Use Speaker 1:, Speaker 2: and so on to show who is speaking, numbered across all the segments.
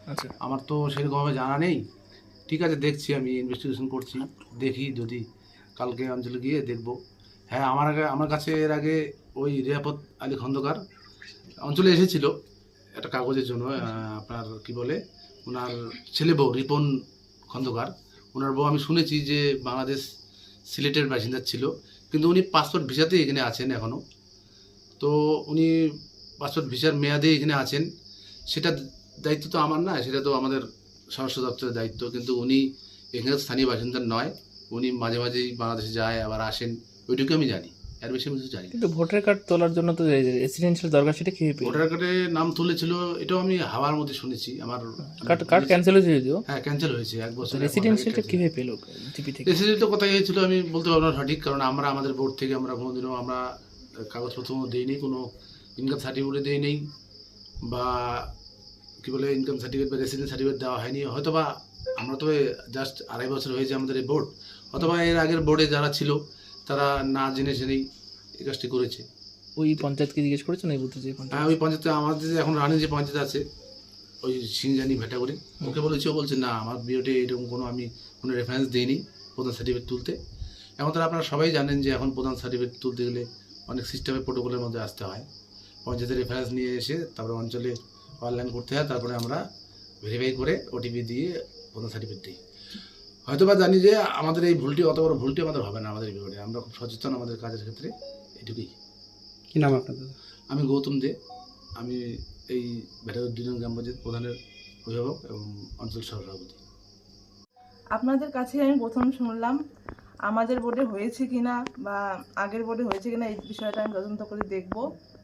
Speaker 1: আচ্ছা,
Speaker 2: আমার তো সেরকমভাবে জানা নেই। ঠিক আছে, দেখছি, আমি ইনভেস্টিগেশন করছি, দেখি যদি কালকে অঞ্চলে গিয়ে দেখব। হ্যাঁ, আমার কাছে এর আগে ওই রিয়াপত আলী খন্দকার অঞ্চলে এসেছিল একটা কাগজের জন্য। আপনার কি বলে, ওনার ছেলে বউ রিপন খন্দকার, ওনার বউ, আমি শুনেছি যে বাংলাদেশ সিলেটের বাসিন্দা ছিল, কিন্তু উনি পাসপোর্ট ভিসাতেই এখানে আছেন এখনও। তো উনি পাসপোর্ট ভিসার মেয়াদে এখানে আছেন, সেটা দায়িত্ব তো আমার না, সেটা তো আমাদের স্বরাষ্ট্র দপ্তরের দায়িত্ব। কিন্তু উনি এখানে স্থানীয় বাসিন্দা নয়, উনি মাঝে মাঝেই বাংলাদেশে যায় আবার আসেন, ওইটুকু আমি জানি, এর বেশি আমি কিছু জানি না।
Speaker 1: কিন্তু ভোটার কার্ড তোলার জন্য তো রেসিডেন্সিয়াল দরকার, সেটা কীভাবে পেল?
Speaker 2: ভোটার কার্ডে নাম তুলেছিল, এটাও আমি হাওয়ার মধ্যে শুনেছি। আমার
Speaker 1: কার্ড ক্যান্সেল হয়েছে যদিও।
Speaker 2: হ্যাঁ, ক্যান্সেল হয়েছে, 1 বছর।
Speaker 1: রেসিডেন্সিয়ালটা কীভাবে পেল জিপি থেকে?
Speaker 2: রেসিডেন্সিয়াল কোথায় হয়েছিল আমি বলতে পারবো না সঠিক, কারণ আমরা আমাদের বোর্ড থেকে আমরা কোনোদিনও আমরা কাগজপত্র দিইনি, কোনো ইনকাম সার্টিফিকেট দিই নেই, বা কী বলে ইনকাম সার্টিফিকেট বা রেসিডেন্স সার্টিফিকেট দেওয়া হয়নি। হয়তো বা আমরা তো জাস্ট 2.5 বছর হয়েছে আমাদের এই বোর্ড, অথবা এর আগের বোর্ডে যারা ছিল তারা না জেনে জেনেই এই কাজটি করেছে।
Speaker 1: ওই পঞ্চায়েতকে জিজ্ঞেস করেছেন এই বুথে যে
Speaker 2: হ্যাঁ,
Speaker 1: পঞ্চায়েত?
Speaker 2: ওই পঞ্চায়েতে আমাদের যে এখন রানিং যে পঞ্চায়েত আছে, ওই সিংজানি ভেটাগুড়ি, ওকে বলেছি, ও বলছে না, আমার বিওতে এরকম কোনো আমি কোনো রেফারেন্স দিইনি প্রধান সার্টিফিকেট তুলতে। এখন তারা আপনারা সবাই জানেন যে এখন প্রধান সার্টিফিকেট তুলতে গেলে অনেক সিস্টেমের প্রোটোকলের মধ্যে আসতে হয়, পঞ্চায়েতের রেফারেন্স নিয়ে এসে তারপরে অঞ্চলে অনলাইন করতে হয়, তারপরে আমরা ভেরিফাই করে ওটিপি দিয়ে প্রধান সার্টিফিকেট দিই। হয়তো বা জানি যে আমাদের এই ভুলটি, অত বড় ভুলটি আমাদের হবে না আমাদের বিভাগে, আমরা খুব সচেতন আমাদের কাজের ক্ষেত্রে, এটুকুই।
Speaker 3: কি নাম আপনাদের?
Speaker 2: আমি গৌতম দে, আমি এই ভেটাগুড়ি 2 নং গ্রাম পঞ্চায়েত প্রধানের অভিভাবক এবং অঞ্চল সভাপতি।
Speaker 4: আপনাদের কাছে আমি প্রথম শুনলাম, আমাদের বোর্ডে হয়েছে কিনা বা আগের বোর্ডে হয়েছে কিনা এই বিষয়টা আমি তদন্ত করে দেখব,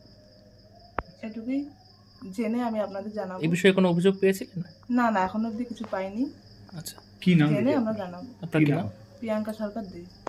Speaker 4: এটুকুই জেনে আমি আপনাদের জানাবো।
Speaker 1: এই বিষয়ে কোনো অভিযোগ পেয়েছিলেন?
Speaker 4: না না, এখনো অবধি কিছু পাইনি,
Speaker 1: আচ্ছা,
Speaker 3: কি নাম?
Speaker 4: জেনে আমরা জানাবো।
Speaker 1: আপনার কি নাম?
Speaker 4: প্রিয়াঙ্কা সরকার দে।